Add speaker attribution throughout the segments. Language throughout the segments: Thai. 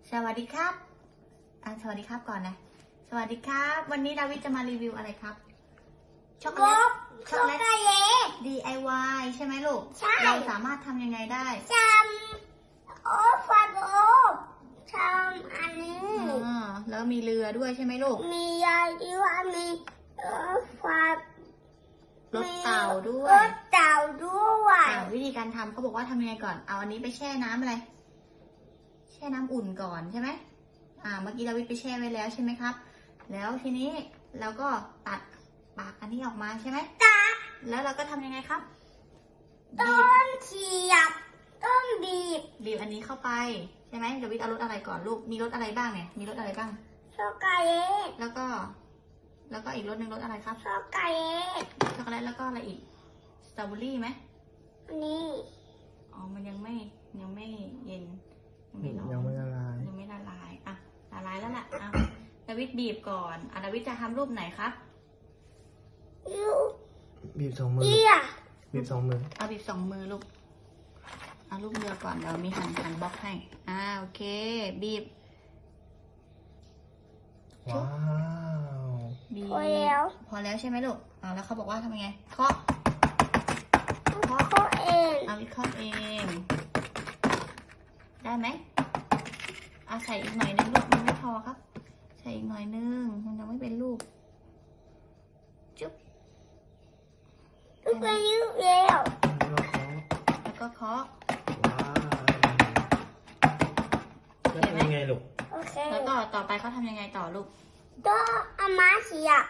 Speaker 1: สวัสดีครับสวัสดีครับก่อนนะสวัสดีครับวันนี้ดาวิดจะมารีวิวอะไรครับช็อกโกแลต DIY ใช่ไหมลูกใช่เราสามารถทำยังไงได้
Speaker 2: ทำโอ้ฟันโอ้ทำอันนี้
Speaker 1: แล้วมีเรือด้วยใช่ไหมลูก
Speaker 2: มียาดีว่ามีฟัน
Speaker 1: รถเต่าด้วย
Speaker 2: รถเต่าด้วย
Speaker 1: วิธีการทำเขาบอกว่าทำยังไงก่อนเอาอันนี้ไปแช่น้ำอะไรแช่น้ำอุ่นก่อนใช่ไหมเมื่อกี้ดาวิดไปแช่ไว้แล้วใช่ไหมครับแล้วทีนี้เราก็ตัดปากอันนี้ออกมาใช่ไหม
Speaker 2: ตัด
Speaker 1: แล้วเราก็ทำยังไงครับ
Speaker 2: ต้นเฉียบต้นบี
Speaker 1: บอันนี้เข้าไปใช่ไหมดาวิดเอารสอะไรก่อนลูกมีรสอะไรบ้างเนี่ยมีรสอะไรบ้าง
Speaker 2: ช็อกโกแลต
Speaker 1: แล้วก็อีกรสหนึ่งรสอะไรครับ
Speaker 2: ช็อกโกแลต
Speaker 1: แล้วก็อะไรอีกสตรอเบอรี่ไหม
Speaker 2: นี่
Speaker 1: มันยังไม่เย็น
Speaker 3: ยังไม่ละลาย
Speaker 1: ละลายแล้วล่ะดาวิดบีบก่อนดาวิดจะทำรูปไหนครับ
Speaker 3: บีบ2 มือบีบ2 มือ
Speaker 1: บีบ2 มือลูกรูปเรือก่อนเดี๋ยวมีหั่นบล็อกให้โอเคบีบ
Speaker 3: ว้าว
Speaker 1: บีบพอแล้วใช่ไหมลูกแล้วเขาบอกว่าทำยังไงเคาะ
Speaker 2: เอง
Speaker 1: วิเคราะห์เองได้ไหมใส่อีกหน่อยนึงลูกมันไม่พอครับใส่อีกหน่อยนึงมันยังไม่เป็นลูกจุ๊บ
Speaker 2: ลูกอายุแล้ว
Speaker 1: แล้วก็เคาะ
Speaker 3: ว้าวแล้วทำยังไงลูก
Speaker 2: โอเค
Speaker 1: แล้วก็ต่อไปเขาทำยังไงต่อลูก
Speaker 2: ก็เอาไม้เสียบ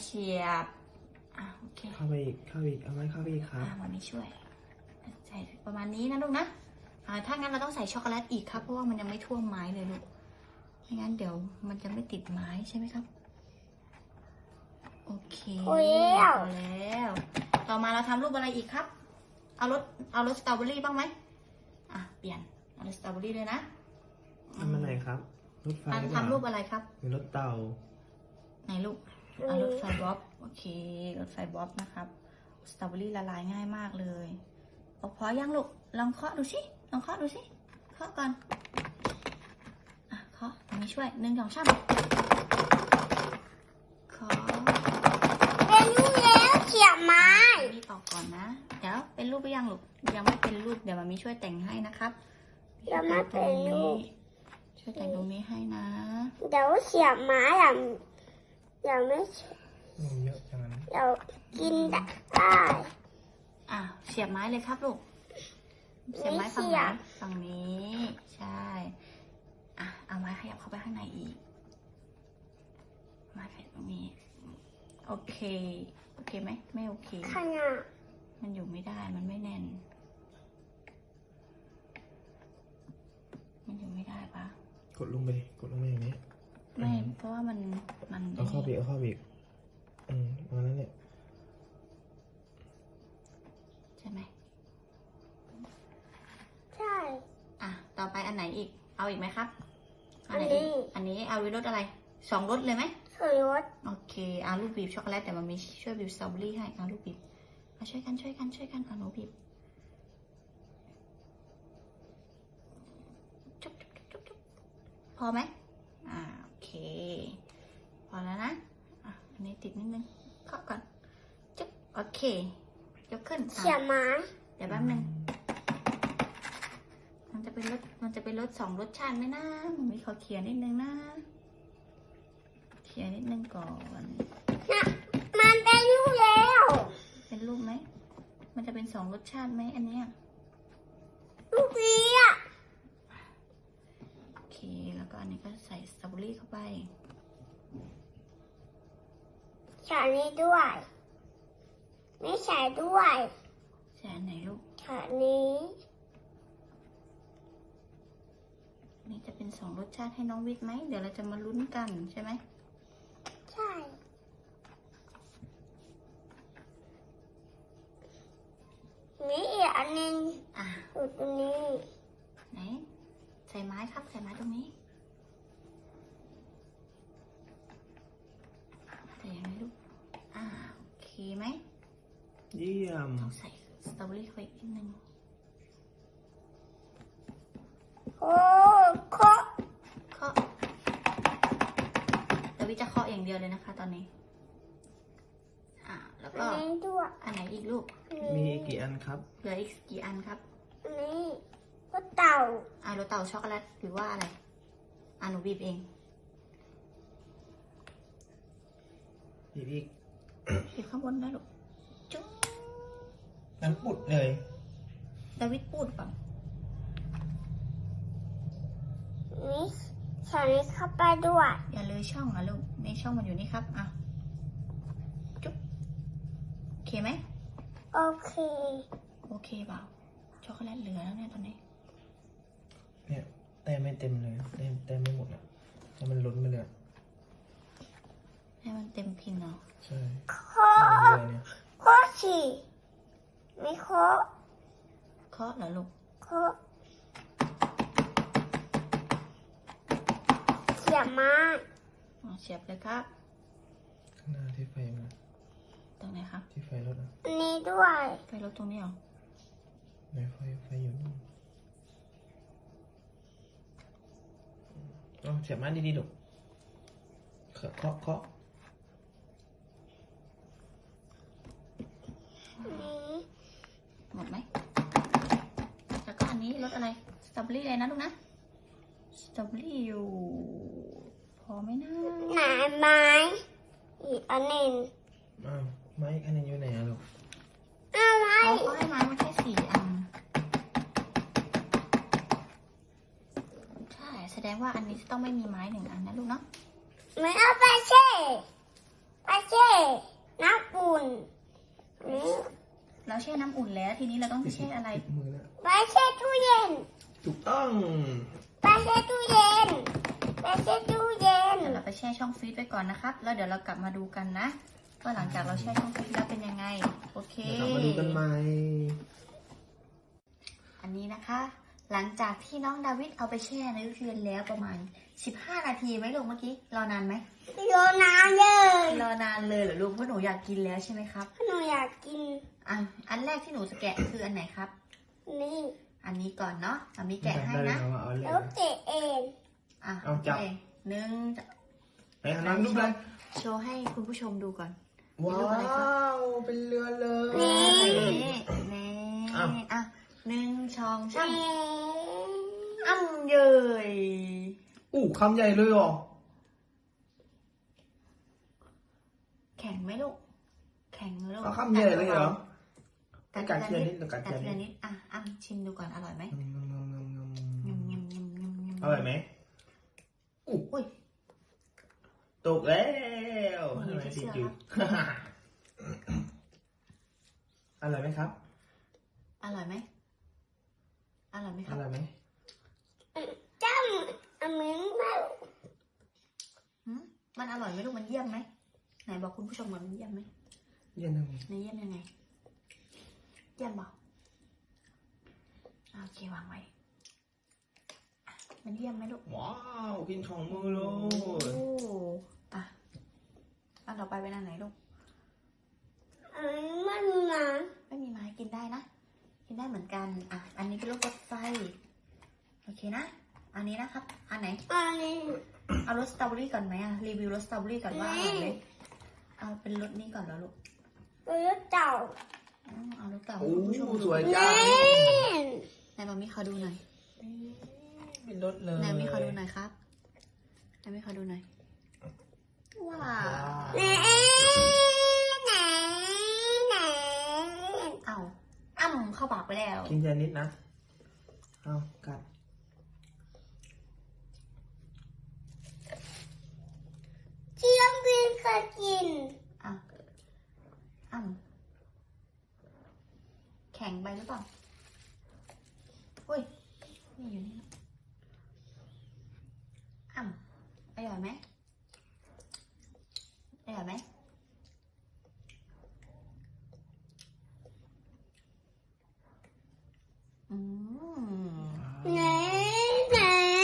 Speaker 1: โอเค
Speaker 3: เข้าไปอีกเอาไว้เข้าไปอีกครับ
Speaker 1: วันนี้ช่วยใส่ประมาณนี้นะลูกนะถ้างั้นเราต้องใส่ช็อกโกแลตอีกครับเพราะว่ามันยังไม่ท่วมไม้เลยลูกไม่งั้นเดี๋ยวมันจะไม่ติดไม้ใช่ไหมครับโอเคพอแล้วต่อมาเราทำรูปอะไรอีกครับเอารสสตรอเบอรี่บ้างไหมเปลี่ยนเอารสสตรอเบอรี่เลยนะ
Speaker 3: ทำอะไรครับรถไฟ
Speaker 1: ทำรูปอะไรครับ
Speaker 3: มีรถเต่า
Speaker 1: ไหนลูกรถไฟบ๊อบโอเครถไฟบ๊อบนะครับสตรอเบอรี่ละลายง่ายมากเลยพอยังลูกลองเคาะดูสิเคาะก่อนเคาะตรงนี้ช่วย1 2 3เคาะ
Speaker 2: เป็นรูปแล้วเขียบไม้
Speaker 1: นี่ต่อก่อนนะเดี๋ยวเป็นรูปหรือยังลูกยังไม่เป็นรูปเดี๋ยวมามีช่วยแต่งให้นะครับ
Speaker 2: ยังไม่เป็นรูป
Speaker 1: ช่วยแต่งตรงนี้ให้นะ
Speaker 2: เดี๋ยวเขียบไม้ยังไม่
Speaker 3: เยอะจังนะ
Speaker 2: เดี๋ยวกินได้
Speaker 1: เสียบไม้เลยครับลูกเสียบไม้ฝั่งนี้ใช่เอาไม้ขยับเข้าไปข้างในอีกไม้ขยับตรงนี้โอเคไหมไม่โอเคมันอยู่ไม่ได้มันไม่แน่นมันอยู่ไม่ได้ปะ
Speaker 3: กดลงไปอย่างนี้
Speaker 1: ไม่เพราะว่ามัน
Speaker 3: เอาเข้าบีกวันนั้นเนี่ย
Speaker 1: ใช่ไหม
Speaker 2: ใช่
Speaker 1: ต่อไปอันไหนอีกเอาอีกไหมครับอันนี้เอารสอะไร2 รสเลยไหม
Speaker 2: 2 รส
Speaker 1: โอเคลูกบีบช็อกโกแลตแต่มันมีช่วยบีบสตรอเบอรี่ให้ลูกบีบช่วยกันหนูบีบจุ๊บพอไหมโอเคพอแล้วนะอันนี้ติดนิดนึงเคาะก่อนจุ๊บโอเคยกขึ้น
Speaker 2: เขียบไม้
Speaker 1: เดี๋ยวแป๊บนึงมันจะเป็นรส2 รสชาติไหมนะมันมีขอเขียนนิดนึงนะเขียนนิดนึงก่อน
Speaker 2: มันเป็นรูปแล้ว
Speaker 1: เป็นรูปไหมมันจะเป็น2 รสชาติไหมอันเนี้ย
Speaker 2: รูปนี้
Speaker 1: โอเคแล้วก็อันนี้ก็ใส่สตรอเบอรี่เข้าไป
Speaker 2: ใส่นี้ด้วยไม่ใส่ด้วย
Speaker 1: ใส่อันไหนลูก
Speaker 2: ใส่นี้
Speaker 1: นี่จะเป็น2 รสชาติให้น้องวิทย์ไหมเดี๋ยวเราจะมาลุ้นกันใช่ไหม
Speaker 2: ใช่นี่อีกอันนึงอยู่ตรงนี้
Speaker 1: ไหนใส่ไม้ครับใส่ไม้ตรงนี้ใส่ยังไงลูกโอเคไหม
Speaker 3: เยี่ยม
Speaker 1: ต้องใส่สตรอเบอรี่เข้าไปอีกนิดนึง
Speaker 2: โอ้เคาะ
Speaker 1: คะตอนนี้แล้ว
Speaker 2: อั
Speaker 1: ก็
Speaker 2: นนี้ด้วย
Speaker 1: อันไหนอีกลูก
Speaker 3: มีกี่อันครับ
Speaker 1: เหลืออีกกี่อันครับ
Speaker 2: อันนี้ก็เต่า
Speaker 1: รสเต่าช็อกโกแลตหรือว่าอะไรหนูบีบเอง
Speaker 3: อีก
Speaker 1: บีบข้างบนได้ลูกจุ๊ง
Speaker 3: น้ำปุดเลย
Speaker 1: ดาวิดพูดก่อน
Speaker 2: นี่ใส่นี้เข้าไปด้วย
Speaker 1: อย่าเลยช่องลูกในช่องมันอยู่นี่ครับจุ๊บโอเคไหม
Speaker 2: โอเค
Speaker 1: โอเคเปล่าช็อกโกแลตเหลือแล้วเนี่ยตอนนี้
Speaker 3: เนี่ยแต้มไม่เต็มเลยแต้มไม่หมดอ่ะแล้วมันล้นไปเลยอะ
Speaker 1: ให้มันเต็มพินเนาะ
Speaker 3: ใช่
Speaker 2: โค้
Speaker 3: มันเลยเนี่ย
Speaker 2: โค้สิไม่โค้
Speaker 1: เคาะเหรอลูก
Speaker 2: โค้เสียบไม้
Speaker 1: เสียบเลยครับ
Speaker 3: ข้างหน้าที่ไฟมา
Speaker 1: ตรงไหนครับ
Speaker 3: ที่ไฟรถอ่ะ
Speaker 2: อันนี้ด้วย
Speaker 1: ไฟรถตรงนี้เหรอ
Speaker 3: ในไฟอยู่นู่นเอาเสียบมาดีๆลูกเคาะ
Speaker 2: อันนี้
Speaker 1: หมดไหมแล้วก็อันนี้รสอะไรสตรอเบอรี่อะไรนะลูกนะสตรอเบอรี่อยู่ พอไหมนะ
Speaker 2: ไหนไม้อีกอันหนึ่ง
Speaker 3: อ้าวไม้อันนี้อยู่ไหนอะลูก
Speaker 2: เอาไม้
Speaker 1: เขาให้ไม้มาแค่4 อันใช่แสดงว่าอันนี้จะต้องไม่มีไม้1 อันนะลูกเนาะ
Speaker 2: ไม่เอาไปเช่น้ำอุ่นนี่
Speaker 1: เราแช่น้ำอุ่นแล้วทีนี้เราต้องแช่อะไร
Speaker 3: ติดมือแล้ว
Speaker 2: ไปเช่ตู้เย็น
Speaker 3: ถูกต้อง
Speaker 2: ไปเช่ตู้เย็นไปเช่ตู้เย็น
Speaker 1: เดี๋ยวเราไปแช่ช่องฟรีซไว้ก่อนนะครับ แล้วเดี๋ยวเรากลับมาดูกันนะว่าหลังจากเราแช่ช่องฟรีซแล้วเป็นยังไง โอเค
Speaker 3: เดี๋ยวกลับมาดูกันใหม่
Speaker 1: อันนี้นะคะ หลังจากที่น้องดาวิดเอาไปแช่ในตู้เย็นแล้วประมาณ15 นาทีไหมลูกเมื่อกี้รอนานไหม
Speaker 2: โยนน้ำเลย
Speaker 1: รอนานเลยเหรอลูกเพราะหนูอยากกินแล้วใช่ไหมครับ
Speaker 2: หนูอยากกิน
Speaker 1: อันแรกที่หนูจะแกะคืออันไหนครับ
Speaker 2: นี่
Speaker 1: อันนี้ก่อนเนาะเอามีแกะให้นะ
Speaker 3: เอาเลย
Speaker 2: แล้วเตะเอง
Speaker 3: เอาจับ
Speaker 1: โคหนึ่ง
Speaker 3: ไปหาน้ำลูกเลย
Speaker 1: โชว์ให้คุณผู้ชมดูก่อน
Speaker 3: ว้าว เป็นเรือเลย
Speaker 1: นี่
Speaker 3: อ้าว
Speaker 1: 1 2 3
Speaker 2: นี่
Speaker 1: เยย
Speaker 3: คำใหญ่เลยเหรอ
Speaker 1: แข็งไหมลูก แข็งไหมลูก
Speaker 3: เอาคำใหญ่เลยเหรอ
Speaker 1: กัด
Speaker 3: กัดที
Speaker 1: ที
Speaker 3: ละ
Speaker 1: ละ
Speaker 3: นิ
Speaker 1: นิ
Speaker 3: ด
Speaker 1: ด
Speaker 3: หรือกัดทีละนิด
Speaker 1: ทีละนิดชิมดูก่อนอร่อยไหม
Speaker 3: ง
Speaker 1: ยำ
Speaker 3: ำ
Speaker 1: ยำยำยำยำ
Speaker 3: อร่อยไหม
Speaker 1: อุ้ย
Speaker 3: ตกแล้ว
Speaker 1: โอ้ย
Speaker 3: ทำไม
Speaker 1: เชื่
Speaker 3: ติด
Speaker 1: อ
Speaker 3: อยู่ อร่อยไหมครับ
Speaker 1: อร่อยไหมอร่อยไหมค
Speaker 3: อ
Speaker 1: รับ
Speaker 3: ร่อยไหม
Speaker 2: จ้ำอันนี้ไม่
Speaker 1: มันอร่อยไหมลูกมันเยี่ยมไหมไหนบอกคุณผู้ชมว่ามันเยี่ยมไหม
Speaker 3: เย็นทำไม
Speaker 1: ในเยี่ยมยังไง เยี่ยมบอกโอเควางไว้มันเยี่ยมไหมลูก
Speaker 3: ว้าวกินของมือเล
Speaker 1: โอ้
Speaker 3: ย
Speaker 1: อันต่อไปเป็นอันไหนลูก
Speaker 2: อันนี้ไม่มีน้
Speaker 1: ไม่มีไม้กินได้นะ กินได้เหมือนกัน อันนี้เป็นรถไฟ โอเคนะ อันนี้นะครับ อันไหน
Speaker 2: ำอันนี้
Speaker 1: เอารสสตรอเบอรี่ก่อนไหมรีวิวรสสตรอเบอรี่ก่อนว่าอร่อยไหมเอาเป็นรสนี้ก่อนแล้วลูก
Speaker 2: ตัวเต่า
Speaker 1: เอารสเก่า
Speaker 3: โอ้
Speaker 1: ให้คุณผู้ชมดู
Speaker 3: สวยจัง
Speaker 1: ไหนบอกมีขอดูหน่อย
Speaker 3: เป็นรถเลย
Speaker 1: ไหนมีขอดูหน่อยครับไหนมีขอดูหน่อย ว้าว
Speaker 2: แหน่แหน่แหน่
Speaker 1: เอาเข้าปากไปแล้ว
Speaker 3: กินแค่นิดนะ เอากัด
Speaker 2: เจียมบินเคยกิน
Speaker 1: แข็งไปหรือเปล่าอุ้ยนี่อยู่นี่อร่อยไหมอร่อยไหม
Speaker 2: แหน่แหน่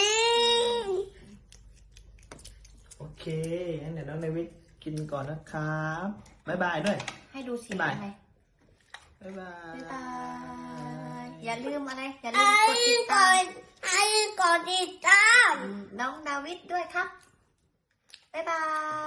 Speaker 3: โอเคงั้นเดี๋ยวน้องเดวิดกินก่อนนะครับบ๊ายบายด้วย
Speaker 1: ให้ดูสี
Speaker 3: บ๊ายบาย
Speaker 1: อะไร
Speaker 3: บ๊ายบาย
Speaker 1: บ๊ายบายอย่าลืมอะไร อย่าลื
Speaker 2: ไอ้
Speaker 1: มกดติด
Speaker 2: ก่
Speaker 1: ตา
Speaker 2: อ
Speaker 1: ม
Speaker 2: นไอ้ก่อนติดตาม
Speaker 1: น้องดาวิดด้วยครับ บ๊ายบาย